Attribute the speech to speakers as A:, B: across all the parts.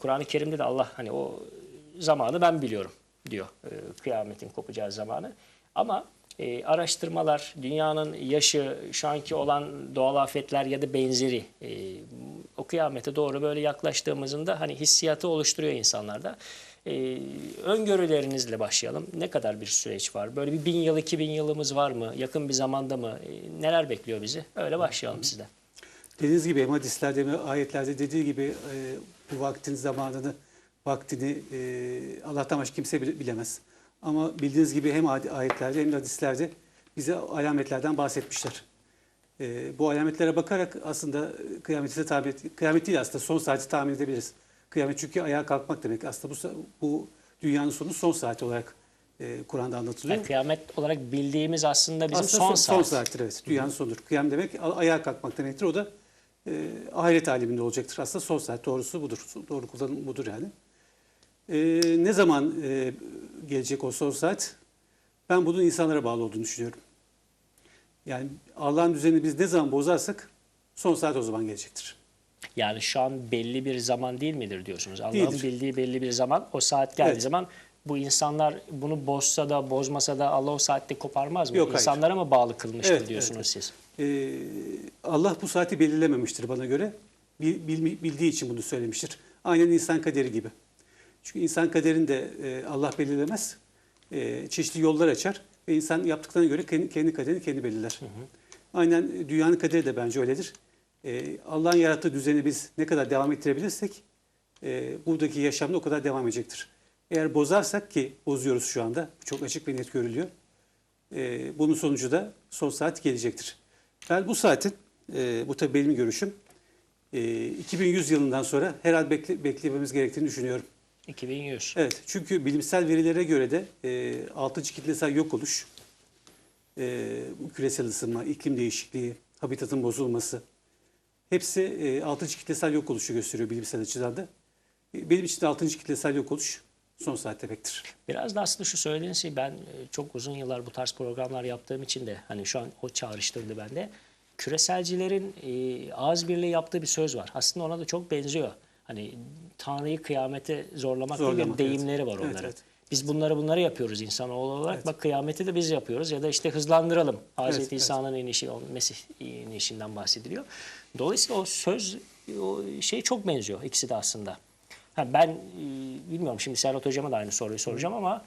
A: Kur'an-ı Kerim'de de Allah hani o zamanı ben biliyorum diyor. Kıyametin kopacağı zamanı. Ama araştırmalar, dünyanın yaşı, şu anki olan doğal afetler ya da benzeri o kıyamete doğru böyle yaklaştığımızda hani hissiyatı oluşturuyor insanlarda. Öngörülerinizle başlayalım. Ne kadar bir süreç var? Böyle bir 1000 yıl, 2000 yılımız var mı? Yakın bir zamanda mı? Neler bekliyor bizi? Öyle başlayalım sizden.
B: Dediğiniz gibi hem hadislerde hem ayetlerde dediği gibi bu vaktin zamanını, vaktini Allah'tan başka kimse bilemez. Ama bildiğiniz gibi hem ayetlerde hem de hadislerde bize alametlerden bahsetmişler. Bu alametlere bakarak aslında kıyamet değil aslında son saati tahmin edebiliriz. Kıyamet çünkü ayağa kalkmak demek. Aslında bu dünyanın sonu son saati olarak Kur'an'da anlatılıyor.
A: Yani kıyamet olarak bildiğimiz aslında bizim
B: aslında
A: son saat.
B: Son saattir evet. Dünyanın sonudur. Kıyam demek ayağa kalkmak demektir. O da ahiret aleminde olacaktır. Aslında son saat doğrusu budur. Doğru kullanım budur yani. Ne zaman gelecek o son saat? Ben bunun insanlara bağlı olduğunu düşünüyorum. Yani Allah'ın düzenini biz ne zaman bozarsak son saat o zaman gelecektir.
A: Yani şu an belli bir zaman değil midir diyorsunuz? Allah'ın
B: Değildir.
A: bildiği belli bir zaman, o saat geldiği
B: Evet.
A: zaman bu insanlar bunu bozsa da bozmasa da Allah o saatte koparmaz mı?
B: Yok, hayır.
A: İnsanlara mı bağlı kılmıştır
B: Evet,
A: diyorsunuz
B: evet.
A: siz?
B: Allah bu saati belirlememiştir bana göre. Bildiği için bunu söylemiştir. Aynen insan kaderi gibi. Çünkü insan kaderini de Allah belirlemez. Çeşitli yollar açar ve insan yaptıklarına göre kendi kaderini kendi belirler. Aynen dünyanın kaderi de bence öyledir. Allah'ın yarattığı düzeni biz ne kadar devam ettirebilirsek buradaki yaşamda o kadar devam edecektir. Eğer bozarsak ki bozuyoruz şu anda, çok açık ve net görülüyor. Bunun sonucu da son saat gelecektir. Ben bu saatin, bu tabii benim görüşüm, 2100 yılından sonra herhalde beklememiz gerektiğini düşünüyorum.
A: 2100.
B: Evet, çünkü bilimsel verilere göre de 6. kitlesel yok oluş, küresel ısınma, iklim değişikliği, habitatın bozulması, hepsi 6. kitlesel yok oluşu gösteriyor bilimsel açıdan da. Benim için de 6. kitlesel yok oluş son saat demektir.
A: Biraz da aslında şu söylediğiniz şey ben çok uzun yıllar bu tarz programlar yaptığım için de hani şu an o çağrıştırdı bende. Küreselcilerin ağız birliği yaptığı bir söz var. Aslında ona da çok benziyor. Hani Tanrı'yı kıyamete zorlamak diye bir deyimleri var onların.
B: Evet, evet.
A: Biz bunları yapıyoruz insanoğlu olarak.
B: Evet.
A: Bak kıyameti de biz yapıyoruz ya da işte hızlandıralım. Hazreti
B: Evet,
A: İsa'nın inişi, Mesih inişinden bahsediliyor. Dolayısıyla o söz, o şey çok benziyor ikisi de aslında. Ben bilmiyorum şimdi Serhat Hocam'a da aynı soruyu soracağım ama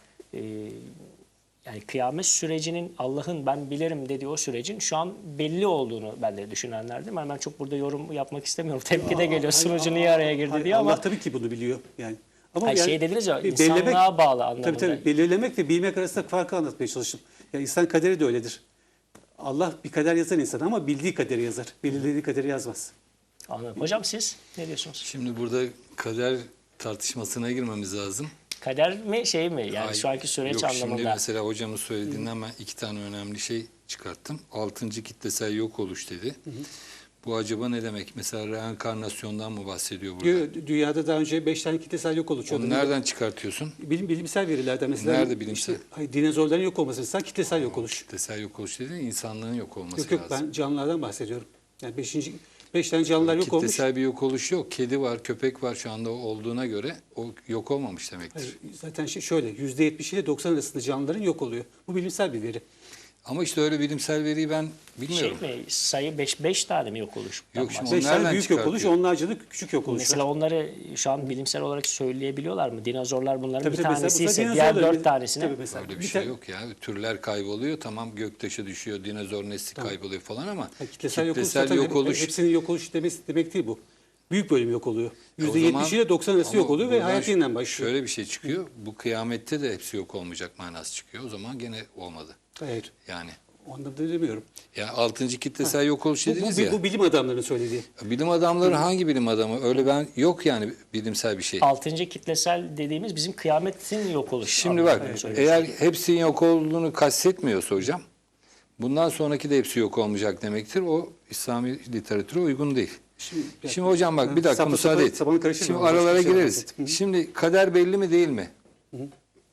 A: yani kıyamet sürecinin Allah'ın ben bilirim dediği o sürecin şu an belli olduğunu ben de düşünenlerdim. Yani ben çok burada yorum yapmak istemiyorum. Tepki de geliyor sunucu niye araya girdi diye ama.
B: Allah tabii ki bunu biliyor yani. Ama
A: Hayır,
B: yani,
A: şey dediniz ya insanlığa bağlı anlamında.
B: Tabii belirlemek ve bilmek arasında farkı anlatmaya çalıştım. Yani insan kaderi de öyledir. Allah bir kader yazar insan ama bildiği kaderi yazar. Belirlediği kaderi yazmaz.
A: Anladım. Hocam siz ne diyorsunuz?
C: Şimdi burada kader tartışmasına girmemiz lazım.
A: Kader mi şey mi? Yani
C: Hayır,
A: şu anki süreç
C: yok,
A: anlamında.
C: Şimdi mesela hocamın söylediğinden ben iki tane önemli şey çıkarttım. 6. kitlesel yok oluş dedi. Bu acaba ne demek? Mesela reenkarnasyondan mı bahsediyor burada?
B: Dünyada daha önce 5 tane kitlesel yok oluş oldu.
C: Onu nereden çıkartıyorsun?
B: Bilimsel verilerden mesela.
C: Nerede bilimsel?
B: Dinozorların yok olması mesela kitlesel yok oluş.
C: Kitlesel yok oluş dedi, insanlığın yok olması
B: Yok
C: lazım.
B: ben canlılardan bahsediyorum. Yani 5 tane canlılar yok olmuş.
C: Kitlesel bir yok oluş yok. Kedi var, köpek var şu anda olduğuna göre o yok olmamış demektir.
B: Hayır, zaten şöyle %70 ile 90 arasında canlıların yok oluyor. Bu bilimsel bir veri.
C: Ama işte öyle bilimsel veriyi ben bilmiyorum.
A: Şey mi? Sayı 5 tane mi yok oluş?
C: Yok, şimdi
B: 5 tane
C: nereden
B: büyük yok oluş,
C: çıkartıyor?
B: onlarca da küçük yok oluş.
A: Mesela onları şu an bilimsel olarak söyleyebiliyorlar mı? Dinozorlar bunların
B: Tabii
A: bir
B: tabii, mesela
A: tanesi ise
B: dinozorların
A: diğer
B: bir-
A: 4 tanesine.
B: tabii mesela
C: Öyle bir
B: bir
C: şey
B: tane-
C: yok ya. Türler kayboluyor, tamam göktaşı düşüyor, dinozor nesli kayboluyor falan ama
B: Kitlesel yok oluş,
C: kitlesel
B: zaten
C: yok oluş.
B: hepsinin yok oluş demek değil bu. Büyük bölüm yok oluyor.
C: O zaman-
B: %70 ile 90 arası
C: ama
B: yok oluyor ve
C: buradan
B: hayat yeniden başlıyor.
C: Şöyle bir şey çıkıyor. Bu kıyamette de hepsi yok olmayacak manası çıkıyor. O zaman gene olmadı.
B: Hayır.
C: Yani
B: Ondan da demiyorum.
C: ya 6. kitlesel yok oluş dediniz ya.
B: Bu bilim adamlarının söylediği.
C: Bilim adamları hangi bilim adamı? Öyle ben yok yani bilimsel bir şey.
A: 6. kitlesel dediğimiz bizim kıyametin yok oluşu.
C: Şimdi bak
A: anlamında söylüyorsun.
C: eğer hepsinin yok olduğunu kastetmiyorsa hocam bundan sonraki de hepsi yok olmayacak demektir. O İslami literatüre uygun değil. Şimdi hocam bak bir dakika müsaade et.
B: Sabanı karıştırma.
C: Şimdi
B: Başka bir
C: aralara
B: şey
C: gireriz.
B: bahset.
C: Şimdi kader belli mi değil mi?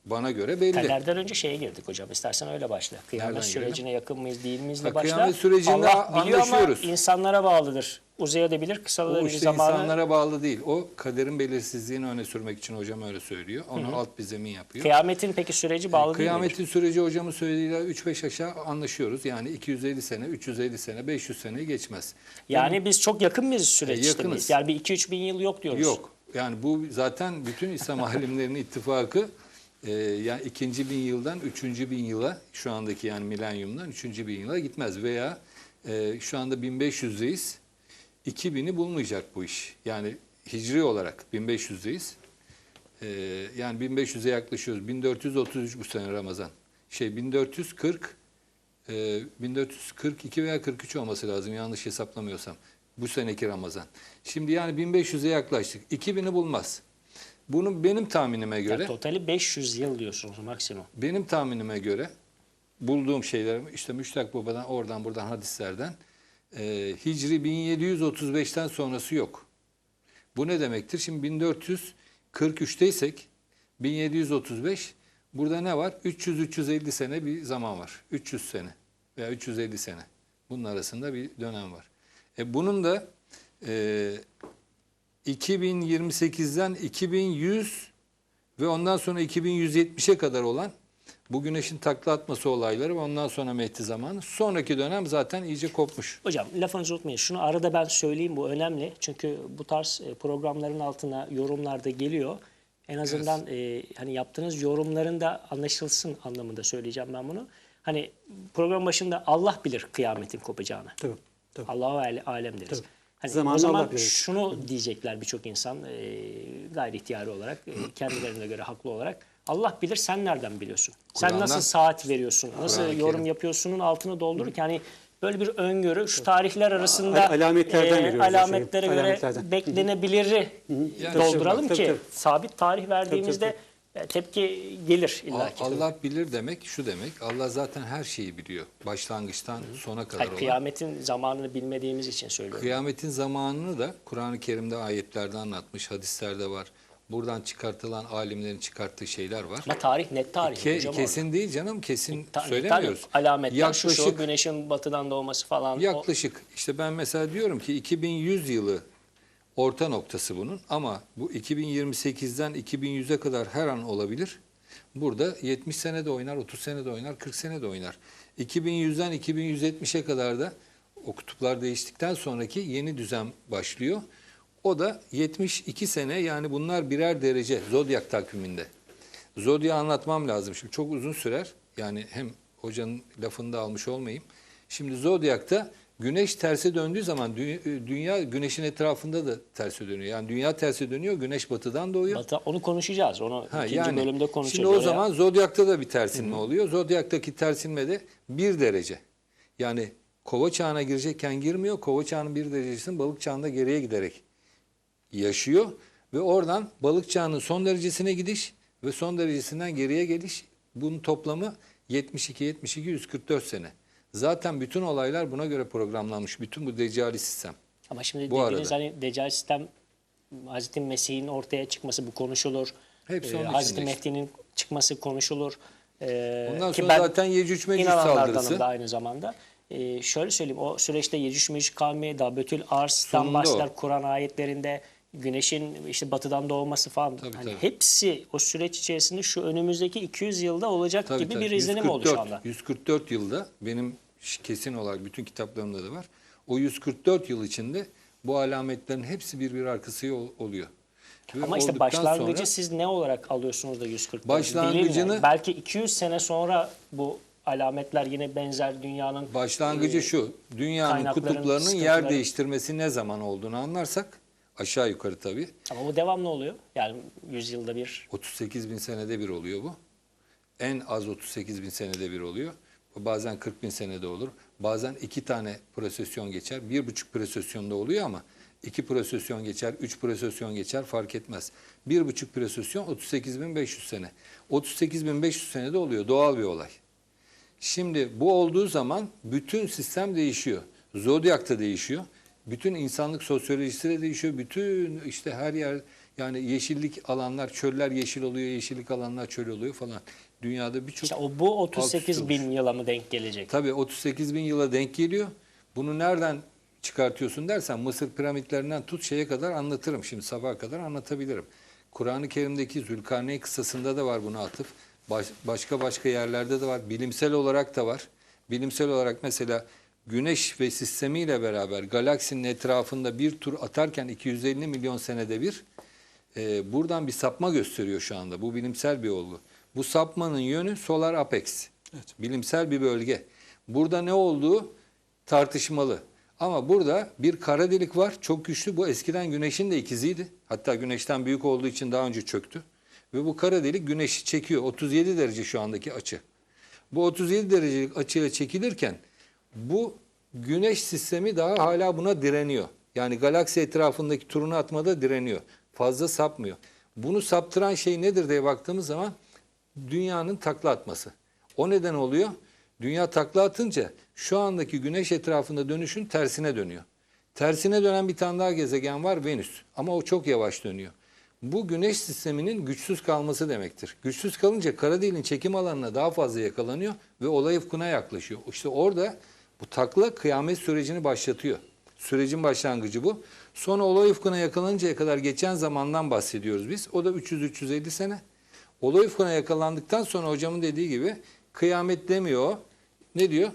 C: bana göre belli.
A: Kaderden önce şeye girdik hocam. İstersen öyle başla. Kıyamet
C: Nereden
A: sürecine yakın mıyız değil miyiz de
C: Ha,
A: başla.
C: kıyamet sürecinde
A: Allah biliyor ama
C: anlaşıyoruz.
A: insanlara bağlıdır. Uzayabilir,
C: O
A: kısalabilir
C: işte
A: zamanı.
C: insanlara bağlı değil. O kaderin belirsizliğini öne sürmek için hocam öyle söylüyor. Onu alt bir zemin yapıyor.
A: Kıyametin peki süreci bağlı değil midir?
C: Kıyametin süreci hocamın söylediğiyle 3-5 aşağı anlaşıyoruz. Yani 250 sene, 350 sene, 500 seneyi geçmez.
A: Yani biz çok yakın mıyız süreç
C: Yakınız.
A: miyiz? Yani bir 2-3 bin yıl yok diyoruz.
C: Yok. Yani bu zaten bütün İslam alimlerinin ittifakı yani 2. bin yıldan 3. bin yıla şu andaki yani milenyumdan 3. bin yıla gitmez. Veya şu anda 1500'deyiz. 2000'i bulmayacak bu iş. Yani hicri olarak 1500'deyiz. Yani 1500'e yaklaşıyoruz. 1433 bu sene Ramazan. 1442 veya 43 olması lazım yanlış hesaplamıyorsam. Bu seneki Ramazan. Şimdi yani 1500'e yaklaştık. 2000'i bulmaz. Bunu benim tahminime göre,
A: Yani totali 500 yıl diyorsunuz maksimum.
C: benim tahminime göre bulduğum şeyler işte Müştak Baba'dan oradan buradan hadislerden Hicri 1735'ten sonrası yok. Bu ne demektir? Şimdi 1443'teysek 1735 burada ne var? 300-350 sene bir zaman var. 300 sene veya 350 sene. Bunun arasında bir dönem var. Bunun da 2028'den 2100 ve ondan sonra 2170'e kadar olan bu güneşin takla atması olayları ve ondan sonra Mehdi zamanı. Sonraki dönem zaten iyice kopmuş.
A: Hocam lafınızı unutmayın. Şunu arada ben söyleyeyim, bu önemli. Çünkü bu tarz programların altına yorumlarda geliyor. En azından hani yaptığınız yorumların da anlaşılsın anlamında söyleyeceğim ben bunu. Hani program başında Allah bilir kıyametin kopacağını.
B: Tabii, tabii.
A: Allahu alem deriz.
B: Tabii.
A: Hani
B: Zamanı
A: o zaman
B: Allah bilir.
A: şunu diyecekler birçok insan gayri ihtiyari olarak, kendilerine göre haklı olarak. Allah bilir, sen nereden biliyorsun? Sen
C: Kur'an'dan-
A: nasıl saat veriyorsun? Nasıl
C: Kur'an-ı
A: yorum
C: Kerim.
A: yapıyorsunun altını doldururken hani böyle bir öngörü şu tarihler arasında
B: Alametlerden veriyoruz o şeyi.
A: alametlere göre
B: Alametlerden.
A: beklenebiliri
C: Yani
A: dolduralım
B: tabii,
A: ki
B: tabii.
A: sabit tarih verdiğimizde tepki gelir illaki.
C: Allah bilir demek şu demek. Allah zaten her şeyi biliyor. Başlangıçtan sona kadar
A: Hayır,
C: olan.
A: kıyametin zamanını bilmediğimiz için söylüyorum.
C: Kıyametin zamanını da Kur'an-ı Kerim'de ayetlerde anlatmış, hadislerde var. Buradan çıkartılan alimlerin çıkarttığı şeyler var.
A: Ama tarih net tarih hocam orada.
C: Kesin değil canım, kesin
A: Tabii,
C: söylemiyoruz.
A: alametler şu
C: Yaklaşık,
A: güneşin batıdan doğması falan.
C: yaklaşık işte ben mesela diyorum ki 2100 yılı orta noktası bunun ama bu 2028'den 2100'e kadar her an olabilir. Burada 70 sene de oynar, 30 sene de oynar, 40 sene de oynar. 2100'den 2170'e kadar da o kutuplar değiştikten sonraki yeni düzen başlıyor. O da 72 sene, yani bunlar birer derece zodyak takviminde. Zodya anlatmam lazım şimdi, çok uzun sürer. Yani hem hocanın lafını da almış olmayayım. Şimdi zodyakta güneş terse döndüğü zaman dünya güneşin etrafında da terse dönüyor. Yani dünya terse dönüyor, güneş batıdan doğuyor.
A: Onu konuşacağız. Onu ikinci bölümde konuşacağız.
C: Şimdi o
A: Oraya-
C: zaman zodyakta da bir tersinme oluyor. Zodyaktaki tersinme de 1 derece. Yani kova çağına girecekken girmiyor. Kova çağının 1 derecesinin balık çağında geriye giderek yaşıyor. Ve oradan balık çağının son derecesine gidiş ve son derecesinden geriye geliş. Bunun toplamı 144 sene. Zaten bütün olaylar buna göre programlanmış. Bütün bu deccali sistem.
A: Ama şimdi
C: Bu
A: dediğiniz
C: arada.
A: hani deccal sistem, Hazreti Mesih'in ortaya çıkması bu konuşulur.
C: Hepsi onun
A: Hazreti
C: içinde işte.
A: Mehdi'nin çıkması konuşulur.
C: Ondan
A: Ki
C: sonra
A: ben
C: zaten Yecüc Mecüc
A: inananlardanım
C: saldırısı.
A: da aynı zamanda. Şöyle söyleyeyim, o süreçte Yecüc Mecüc kavmi, Dabetül Ars'tan
C: Sonunda
A: başlar
C: o.
A: Kur'an ayetlerinde, güneşin işte batıdan doğması falan.
C: Tabii,
A: hani
C: tabii.
A: hepsi o süreç içerisinde şu önümüzdeki 200 yılda olacak
C: Tabii,
A: gibi
C: tabii.
A: bir izlenim oldu şu anda.
C: 144 yılda benim kesin olarak bütün kitaplarımda da var. O 144 yıl içinde bu alametlerin hepsi birbiri arkası oluyor. Ve
A: Ama işte
C: olduktan
A: başlangıcı
C: sonra
A: siz ne olarak alıyorsunuz da 144?
C: Başlangıcını-
A: Delil ne? Belki 200 sene sonra bu alametler yine benzer dünyanın
C: başlangıcı şu: dünyanın
A: kaynakların,
C: kutuplarının yer
A: sıkıntıları.
C: değiştirmesi ne zaman olduğunu anlarsak, aşağı yukarı tabii,
A: ama bu devamlı oluyor. Yani 100 yılda bir.
C: 38 bin senede bir oluyor bu. En az 38 bin senede bir oluyor. Bazen 40 bin senede olur. Bazen 2 tane prosesyon geçer. 1,5 prosesyonda oluyor ama 2 prosesyon geçer, 3 prosesyon geçer, fark etmez. 1,5 prosesyon 38.500 sene. 38.500 senede oluyor. Doğal bir olay. Şimdi bu olduğu zaman bütün sistem değişiyor. Zodyak da değişiyor. Bütün insanlık sosyolojisi de değişiyor. Bütün işte her yer Yani yeşillik alanlar, çöller yeşil oluyor, yeşillik alanlar çöl oluyor falan. Dünyada birçok...
A: İşte bu
C: alt üst
A: 38 bin yıla mı denk gelecek?
C: Tabii 38 bin yıla denk geliyor. Bunu nereden çıkartıyorsun dersen Mısır piramitlerinden tut şeye kadar anlatırım. Şimdi sabaha kadar anlatabilirim. Kur'an-ı Kerim'deki Zülkarneyn kıssasında da var buna atıf. Başka yerlerde de var. Bilimsel olarak da var. Bilimsel olarak mesela Güneş ve sistemiyle beraber galaksinin etrafında bir tur atarken 250 milyon senede bir buradan bir sapma gösteriyor şu anda. Bu bilimsel bir olgu. Bu sapmanın yönü Solar Apex.
B: Evet.
C: Bilimsel bir bölge. Burada ne olduğu tartışmalı. Ama burada bir kara delik var. Çok güçlü. Bu eskiden Güneş'in de ikiziydi. Hatta Güneş'ten büyük olduğu için daha önce çöktü. Ve bu kara delik Güneş'i çekiyor. 37 derece şu andaki açı. Bu 37 derecelik açıyla çekilirken bu Güneş sistemi daha hala buna direniyor. Yani galaksi etrafındaki turunu atmada direniyor. Fazla sapmıyor. Bunu saptıran şey nedir diye baktığımız zaman dünyanın takla atması. O neden oluyor? Dünya takla atınca şu andaki Güneş etrafında dönüşün tersine dönüyor. Tersine dönen bir tane daha gezegen var, Venüs. Ama o çok yavaş dönüyor. Bu Güneş sisteminin güçsüz kalması demektir. Güçsüz kalınca kara deliğin çekim alanına daha fazla yakalanıyor ve olay ufkuna yaklaşıyor. İşte orada bu takla kıyamet sürecini başlatıyor. Sürecin başlangıcı bu. Sonra olay ufkuna yakalanıncaya kadar geçen zamandan bahsediyoruz biz. O da 300-350 sene. Olay ufkuna yakalandıktan sonra hocamın dediği gibi kıyamet demiyor. Ne diyor?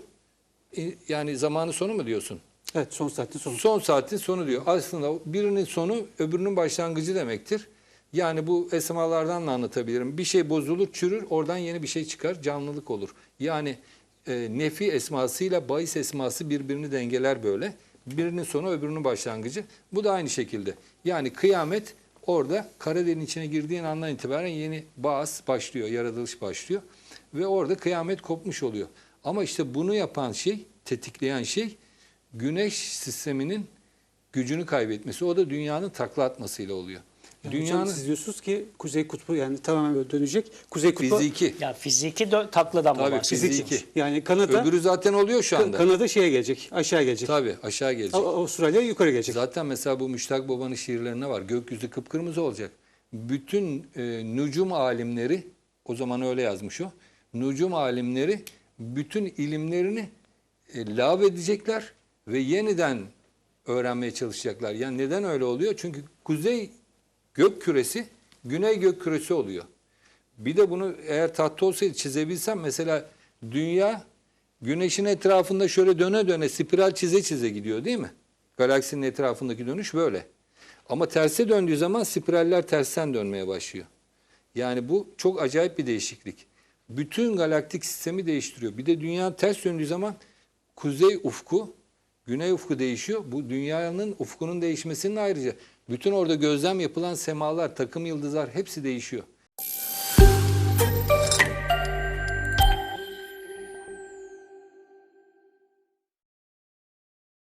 C: Yani zamanın sonu mu diyorsun?
B: Evet, son saatin sonu.
C: Son saatin sonu diyor. Aslında birinin sonu öbürünün başlangıcı demektir. Yani bu esmalardan da anlatabilirim. Bir şey bozulur, çürür, oradan yeni bir şey çıkar, canlılık olur. Yani nefi esmasıyla bahis esması birbirini dengeler böyle. Birinin sonu öbürünün başlangıcı. Bu da aynı şekilde. Yani kıyamet orada kara deliğin içine girdiğin andan itibaren yeni baas başlıyor, yaratılış başlıyor. Ve orada kıyamet kopmuş oluyor. Ama işte bunu yapan şey, tetikleyen şey Güneş sisteminin gücünü kaybetmesi. O da dünyanın takla atmasıyla oluyor.
B: Yani
C: Dünyanın
B: hocam siz diyorsunuz ki Kuzey Kutbu yani tamamen böyle dönecek. Kuzey Kutbu
C: fiziki.
A: Ya fiziki takladan mı
C: Tabii,
A: bahsediyorsunuz?
C: fiziki.
B: yani Kanada
C: Öbürü zaten oluyor şu anda.
B: Kanada şeye gelecek, aşağı gelecek.
C: Tabii aşağı gelecek.
B: Avustralya yukarı gelecek.
C: Zaten mesela bu Müştak Baba'nın şiirlerine var. Gökyüzü kıpkırmızı olacak. Bütün nücum alimleri, o zaman öyle yazmış o. Nücum alimleri bütün ilimlerini lağvedecekler ve yeniden öğrenmeye çalışacaklar. Yani neden öyle oluyor? Çünkü kuzey gök küresi, güney gök küresi oluyor. Bir de bunu eğer tahta olsaydı çizebilsem mesela dünya güneşin etrafında şöyle döne döne spiral çize çize gidiyor değil mi? Galaksinin etrafındaki dönüş böyle. Ama terse döndüğü zaman spiraller tersten dönmeye başlıyor. Yani bu çok acayip bir değişiklik. Bütün galaktik sistemi değiştiriyor. Bir de dünya ters döndüğü zaman kuzey ufku, güney ufku değişiyor. Bu dünyanın ufkunun değişmesinin ayrıca bütün orada gözlem yapılan semalar, takım yıldızlar hepsi değişiyor.